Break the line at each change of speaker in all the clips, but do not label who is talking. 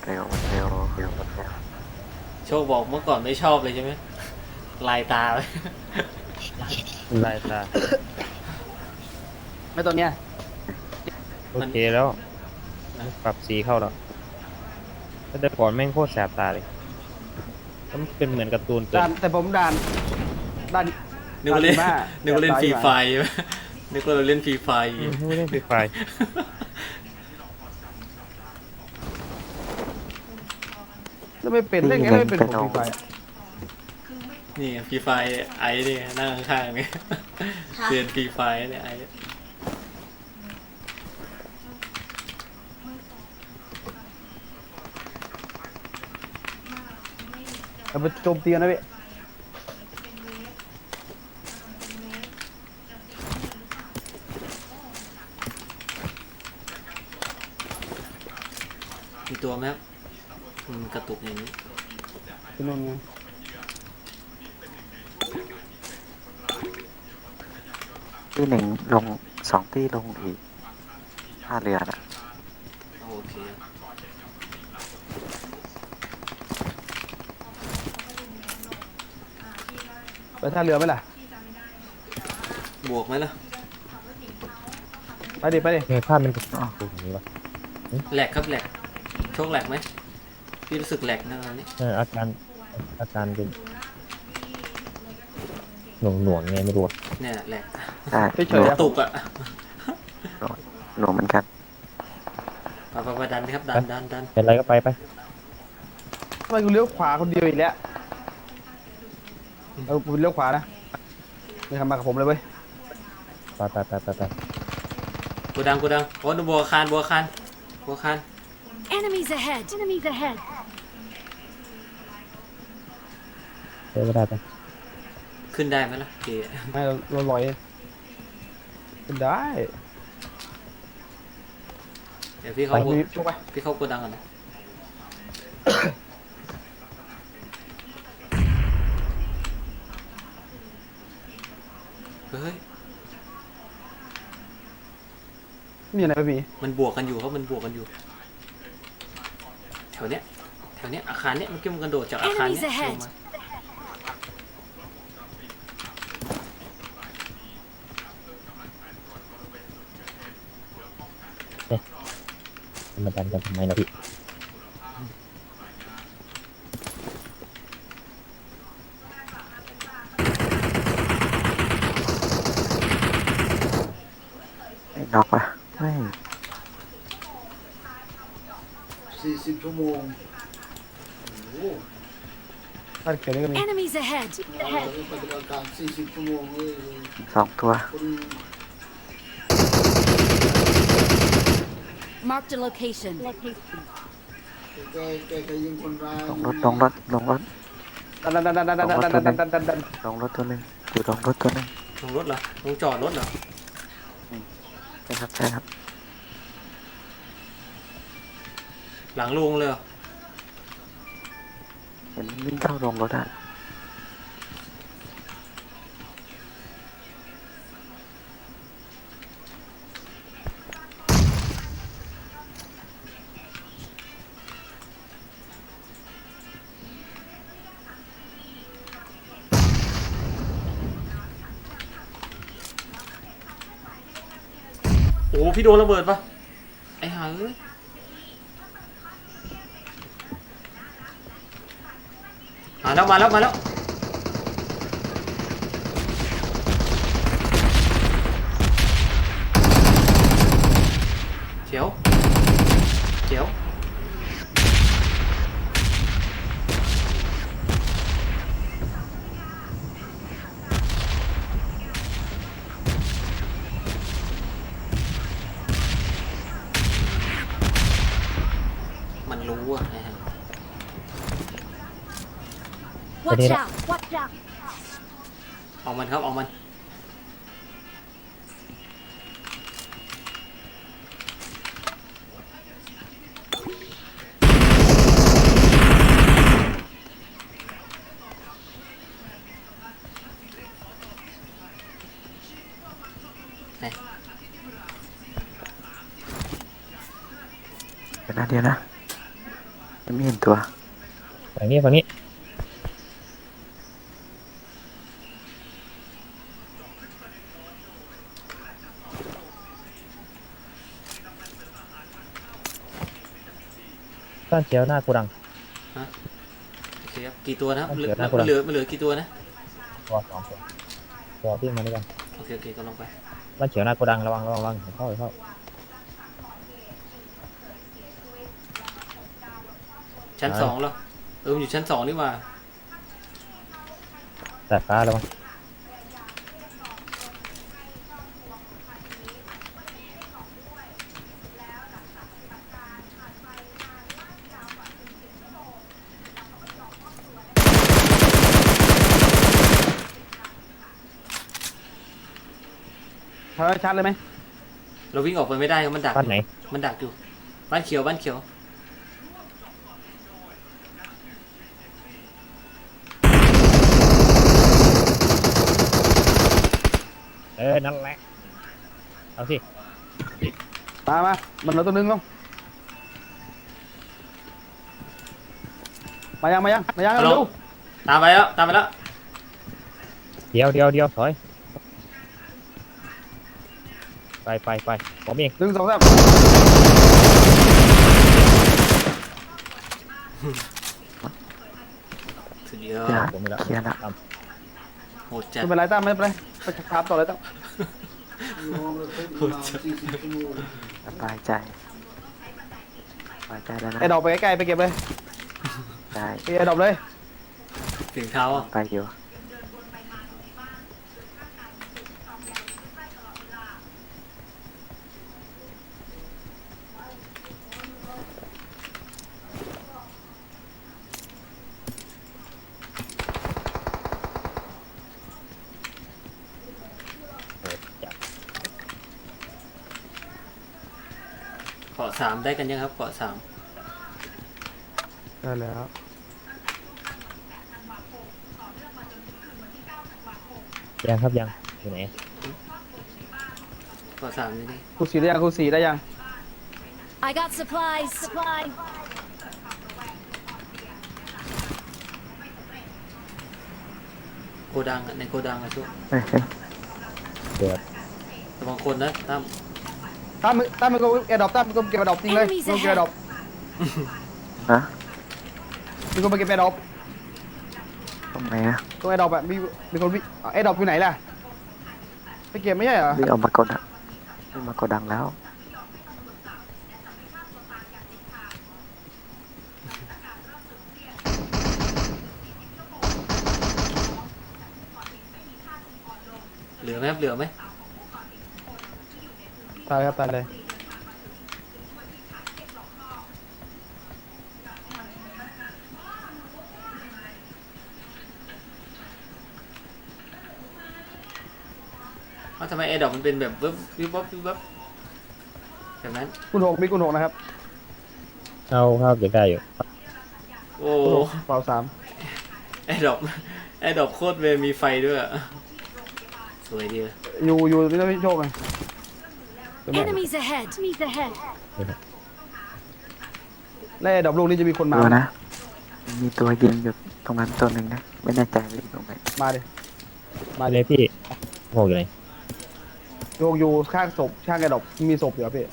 ร็วมันเร็วเร็วมันเร็ว
โชคบอกเมื่อก่อนไม่ชอบเลยใช่ไหมลายตาเลย
ลายตา
ไม่ตัวเนี้ย
โอเคแล้วปรับสีเข้าแล้วแต่ก่อนแม่งโคตรแสบตาเลยมันเป็นเหมือนการ์ตูนเกิ
ด่าน นแต่ผมด่าน
นึกว่าเล่น
ด่าน
นึกว่าเล่นฟรีไฟใช่ไหมนึกว่าเราเล่นฟรีไฟ
ไม่ได้ไฟ
แล้วไม่เป็นได้ไงไม่เป็นผมฟรีไฟ
นี่ฟรีไฟไอ้นี่นั่งข้างๆนี่เรียนฟรีไฟเนี่ยไอ้
เราไปโจมตีกันนะพี่
มีตัวไหมครับมันกระตุกอย่างนี้
ที่นู่นไง
ที่หนึ่งลงสองที่ลงอีกท่าเรือนะ
โอเค
ไปท่าเรือไหมล่ะ
บวกไหมล่ะ
ไปดิไปดิ
เนี่ยภาพมันเป็นอย่างนี้วะ
แหลกครับแหลกโชคแหลกไหมพี่รู้สึกแหลกนะตอนนี้
อาการเป็นหน่วงไงไม่รู้
เนี่ยแหลก
ใช่
เฉ
ห
ย
นู
ๆ
กระตุกอ่ะ
หนูเหมือนกัน
ไปดันครับดัน
เป็นไรก็ไป
ทำไมกูเลี้ยวขวาคนเดียวอีกแล้วเอากูเลี้ยวขวานะไม่ทำมากับผมเลยเว้ย
ไป
กูดังโอ้ดูบัวคาน
Enemies ahead! Enemies ahead!
เดี๋ยวก็ได้ไป
ขึ้นได้ไหมล่ะเก๋
ไม่เราลอยเป็นได้
เดี๋ยวพี่
ไป
เข้า
มีช่วยไป
พี่เข้ากูดังก่อนนะเฮ้ย
มีอะไรไม่มี
มันบวกกันอยู่ครับมันบวกกันอยู่แถวเนี้ยอาคารเนี้ยมันกระโดดจากอาคารเนี้ย
Enemies ahead
ลงมา
มาดันกันทำไมนะพี่
ไอ้น็อกปะไม่
40 ชั่วโมง
ท่าเขียวนี่ก็มี
Enemies ahead!
เรา
Ahead!
ต้องปฏิบัติการ 40 ชั่วโมงเลย
สองตัว
คน
Marked a location.
แกยิงคนร้าย
ลงรถ
ดัน
ลงรถตัวหนึ่งอยู่ลงรถตัวหนึ่ง
ลงรถเหรอลงจอดรถเหรอ
ใช่ครับ
หลังลงเลยเหรอ
เห็นวิ่งเข้าลงรถอ่ะ
โอ้พี่โดนระเบิดปะไอ้ห่าเอ้ยมาแล้วเจียวมันรู้อ่ะไอ้ห่า
Watch out! Watch out!
เอามันครับเอามันไหน
เดี๋ยวนะยังไม่เห็นตัว
ฝั่งนี้ฝั่งนี้บ้านเขียวหน้ากูดัง
โอเคครับกี่ตัวนะครับ
เอา
เหลื
เดี๋
อ
ยวนะคุณ
เหลือเหลือกี่ตัวนะ
ตัวสองตัวตัวที่มาด้วยกัน
โอเคโอเคก็ลงไป
บ้านเขียวหน้ากูดังระวังระวังระวังเข้าเข้า
ชั้น
ใช่
สองเหรอมันอยู่ชั้นสองนี่หว่า
แต่ฟ้าระวัง
ทำให้ชัดเลยไหม
เราวิ่งออกไปไม่ได้ครับมันดัก
บ้านไหน
มันดักอยู่บ้านเขียวบ้านเขียว
นั่นแหละเอาสิ
มามันเราตัวนึงลงมายังเร็ว
ตามไปแล้วตามไปแล้ว
เดี๋ยวถอยไปผมเอง
1 2 3
สุดยอ
อย่า
ด
ผมไม่ละ
เคลียร์ละ
โหดจัด
ไม่เป็นไรตั้มไม่เป็นไรไปครับต่อเลยตั้ม
รอเลยประมาณ40 ชั่วโมง
สบายใจสบายใจแล้วนะ
ไอ้ดอกไปใกล้ๆไปเก็บเลย
ได้
ไอ้ดอกเลย
เสียงเท้าอ่ะ
ไปอยู่
เกาะสามได้กันยังครับเกาะสาม
ได้แล้ว
ยังครับยังอยู่ไหน
เกาะสามนี่ดิ
คูสีได้ยังคูสีได้ยัง
I got supplies. Supplies.
โกดังอะในโกดังอะทุก
เฮ้ย
เกิด
ระวังคนนะตั้ม
ตั้มมันก็แอร์ดรอปตั้มมันก็เก็บแอร์ดรอปจริงเลย
Enemies
มันเก็บแอร์ดรอป
ฮะ
มันก็ไปเก็บแอร์ดรอป
ตรงไหนอะ
ตรงแอร์ดรอปอะมีคนวิ่งแอร์ดรอปอยู่ไหนล่ะไปเก็บไม่ใช่เหรอ
วิ่งออกมากดอะวิ่งมากดดังแล้ว
เหลือไหมครับเหลือไหม
ตายครับตายเลย
ทำไมแอร์ดอกมันเป็นแบบวิบวิบวับวิบวับแบบนั้น
คุณ6มีคุณ6นะครับ
เอาครับเดี๋ยวได้อยู่
โอ้
คุณ6เป่า3
แอร์ดอกแอร์ดอกโคตรเวรมีไฟด้วยอะสวยดีเลย
อยู่นี่ต้องพี่โชคไง
Enemies ahead. Enemies ahead.
แล้วแอร์ดรอปลูกนี้จะมีคนมา
ดูนะ มีตัวยิงอยู่ตรงนั้นตัวหนึ่งนะ ไม่แน่ใจว่าอยู่ตรงไหน
มาดิ
มาเลยพี่โง่อยู่ไหน
อยู่ข้างศพข้างแอร์ดรอปมีศพอยู่ครับพี่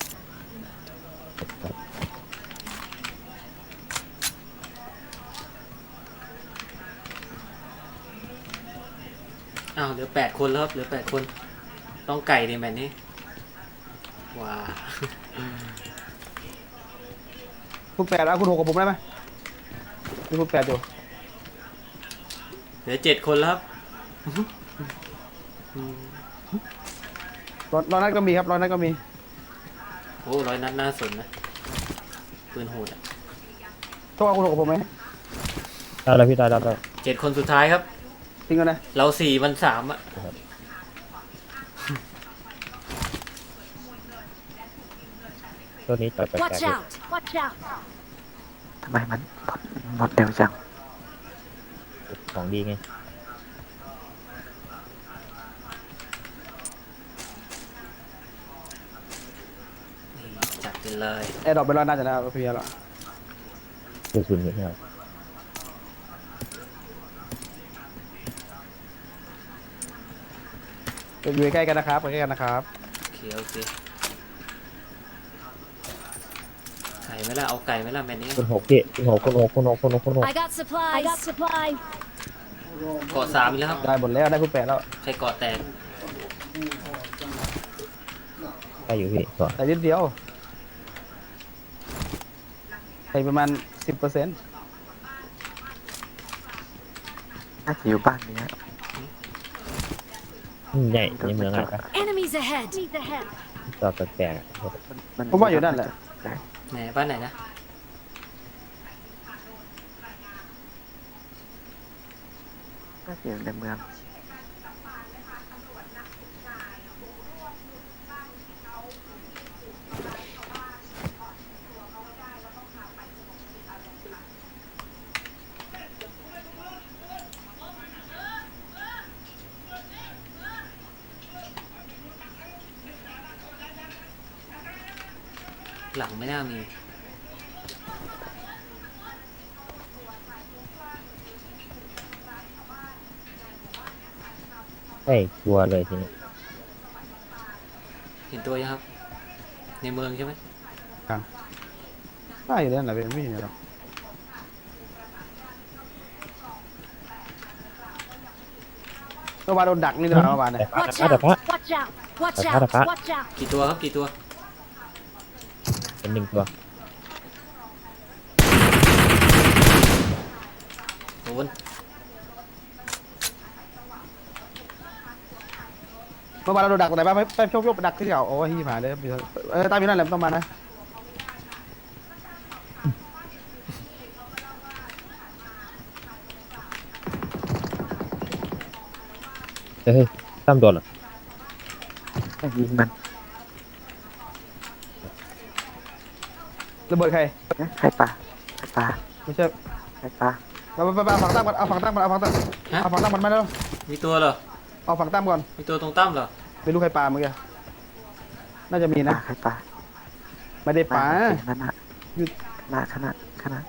อ้าวเหลือ8 คนแล้วครับเหลือ8 คนต้องไก่ในแมตช์นี้ว้า
คุณ8แล้วคุณ6กับผมได้ไหมมีคุณ8อยู่
เหลือ7 คนแล้วครับ
ร้อยนัดก็มีครับร้อยนัดก็มี
โอ้100 นัดน่าสนนะปืนโหดอะ
โชคเอาคุณ6กับผมไหม
ได้แล้วพี่ได้แล้ว
7 คนสุดท้ายครับ
ทิ้งกันนะ
เรา4 มัน 3อะ
ตัวนี้ต่อยแปลก
Watch
ๆเลย
out. Watch out.
ทำไมมันหมดเร็วจัง
ของดีไง
นี่จัดไปเลย
แอร์ดรอปไปร้อยนัดจะนะพี่แล้ว
กระสุนอยู่เนี่ย
อยู่ใกล้ๆกันนะครับใกล้ๆกันนะครับ
โอเคโอเคไก่ไหมล่ะเอาไก่ไหมล่ะแมนนี้
คุณหกพี่คุณหกคุณหกคุณหกคุณหกคุณหก
I got supplies. I got supplies.
เกาะ3อีกแล้วครับ
ได้หมดแล้วได้คุณแปดแล้ว
ใครเกาะแตก
ได้อยู่พี่ก่อน
แต่นิดเดียวใส่ประมาณ 10%
น่าจะอยู่บ้านนี้ฮะ
ใหญ่ในเมืองอะไรปะ
Enemies ahead. Enemies ahead.
จอดแปลกๆอะ
ผมว่าอยู่นั่นแหละ
ไหนบ้านไหนนะ
น่าจะอยู่ในเมือง
หลังไม่น่ามี
ใช่ชัวร์เลยทีนี้
เห็นตัวยังครับ ในเมืองใช่ไหม
ได้อยู่นั่นแหละเป็นไม่เห็นหรอกเมื่อวานโดนดักนี่นะเมื่อวานเนี่ย
Watch
แต่
out.
พระ
Watch out. Watch
Ada
out.
Pak.
Watch out.
กี่ตัวครับกี่ตัว
เป็นหนึ่งตัว
โดน
เมื่อวานเราโดนดักตรงไหนบ้างไปโชคดักที่เก่าโอ้ยหายเลยตามอยู่นั่นแหละไม่ต้องมานะ
เฮ้ยตั้มโดนเหรอ
ไม่ยิงมัน
ระเบิดใคร
เอ๊ะใครปาใครปา
ไม่ใช่
ใครปา
เราไปเอาฝั่งตั้งก่อนเอาฝั่งตั้งก่อนเอาฝั่งตั้ง
ฮะ
เอาฝั่งตั้งก่อนมาแล้ว
มีตัวเหรอ
เอาฝั่งตั้งก่อน
มีตัวตรงตั้มเหรอ
ไม่รู้ใครปาเมื่อกี้น่าจะมี
ปา
นะ
ใครปา
ไม่ได้ปา
นั่นน่ะ
หยุด
ขนาด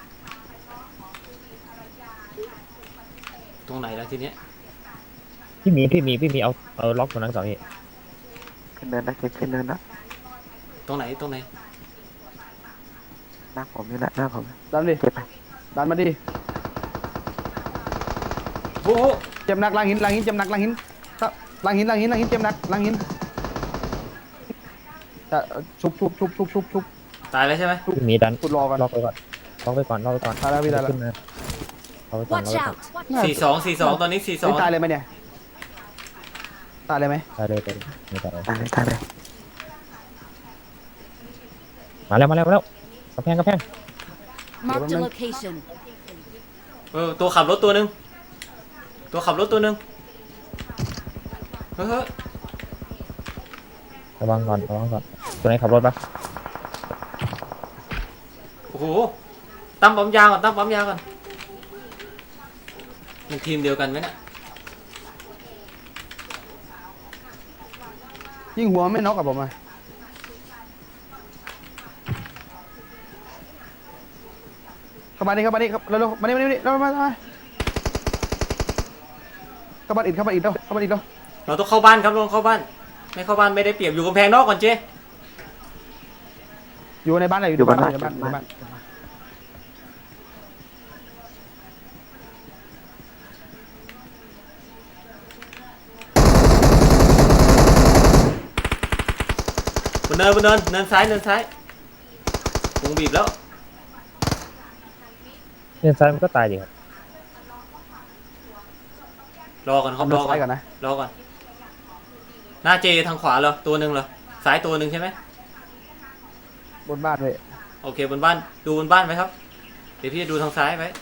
ตรงไหนแล้วทีเนี้ย
พี่มีเอาล็อกตรงนั้นก่อนพี่
ขึ้นเนินแล้วขึ้นเนินแล้ว
ตรงไหนตรงไหน
หน้าผมนี่แหละหน้าผม
ดันดิ
เก็บไป
ดันมาดิ
โอ้โห
เจ็บหนักล้างหินเจ็บหนักล้างหินล้างหินเจ็บหนักล้างหินจะชุบ
ตายแล้วใช่ไหม
พี่มีดัน
ขุดรอกัน
ล็อกไปก่อนล็อกไปก่อน
ตายแล้วพี่ตายแล้ว
ขึ้นมาล็อกไปก่อน
Watch out.
42ตอนนี้
ไม่ตายเลยไหมเนี่ยตายเลยไหม
ตายเลยไม่ตาย
ตายเลย
มาแล้วกระแพง
Mark the location.
ตัวขับรถตัวหนึ่งเฮ้ย
ระวังก่อนตัวไหนขับรถปะ
โอ้โหตั้มปั๊มยาก่อนมันทีมเดียวกันไหมเนี่ย
ยิงหัวไม่น็อกกับผมอ่ะเข้ามานี่ครับเร็วมานี่เร็วมาเข้าบ้านอิดเร็ว
เราต้องเข้าบ้านครับเข้าบ้านไม่เข้าบ้านไม่ได้เปรียบอยู่กำแพงนอกก่อนเจ๊
อยู่ในบ้านอะไร
อยู่บ้าน
ในบ้าน
บนเนินซ้ายวงบีบแล้ว
เนี่ยซ้ายมันก็ตายดิครับ
รอก่อนครับ
รอก่อนนะ
รอก่อนหน้าเจทางขวาเหรอตัวหนึ่งเหรอซ้ายตัวหนึ่งใช่ไหม
บนบ้านเลย
โอเคบนบ้านดูบนบ้านไหมครับเดี๋ยวพี่จะดูทางซ้ายไว้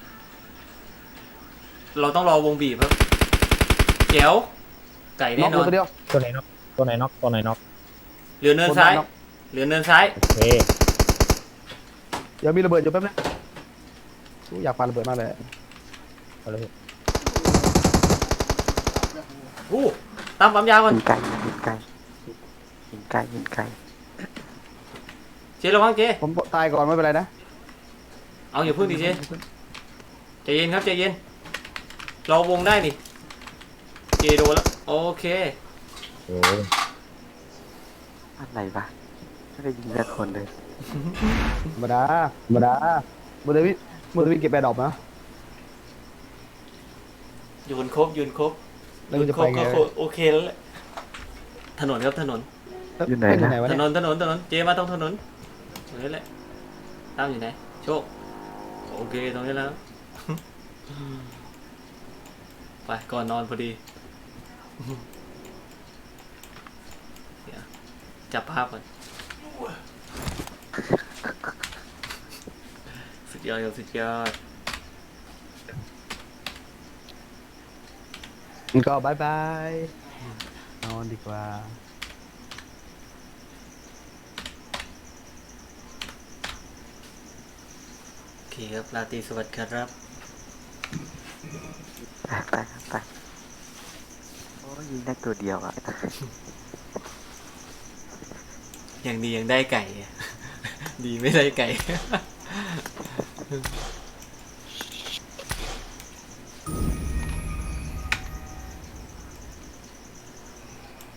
เราต้องรอวงบีบครับเจ๋วไก่แน่นอน
ตัวเดียว
ตัวไหนน็อก
เหลือเนินซ้าย
โอเค
เดี๋ยวมีระเบิดอยู่แป๊บนึงอยากปาระเบิดมากเลย
เอาเลย
อู้ตามปั๊มยาก่อน
ยิงไกล
เจ๊ระวังเจ๊
ผมตายก่อนไม่เป็นไรนะ
เอเอาอย่าพึ่งดิเจใจเย็นครับใจเย็นเราวงได้นี่เจโดนแล้วโอเค
โอ้
อะไรวะไม่ได้ยิงสักคนเลย
ธรรมดาธรรมดามือเดวิดเก็บแบดดอกนะ
โยนครบโยนครบ
แล้วกูจะไปไง
ก็โอเคแล้วแหละถนนครับถนน
อยู่ไหน
อยู่
นะ
ไหนวะ
ถ
เนี่ย
นนเจมาตรงถนนตรงนี้แหละตั้มอยู่ไหนโชคโอเคตรงนี้แล้ว ไปก่อนนอนพอดีเดี๋ยวจับภาพก่อนสุดยอดครับสุดยอด
ก็บายบายนอนดีกว่า
โอเคครับราตรีสวัสดิ์ครับ
ไปครับไปโอ้ยยิงได้ตัวเดียวอ่ะ
ยังดียังได้ไก่ ดีไม่ได้ไก่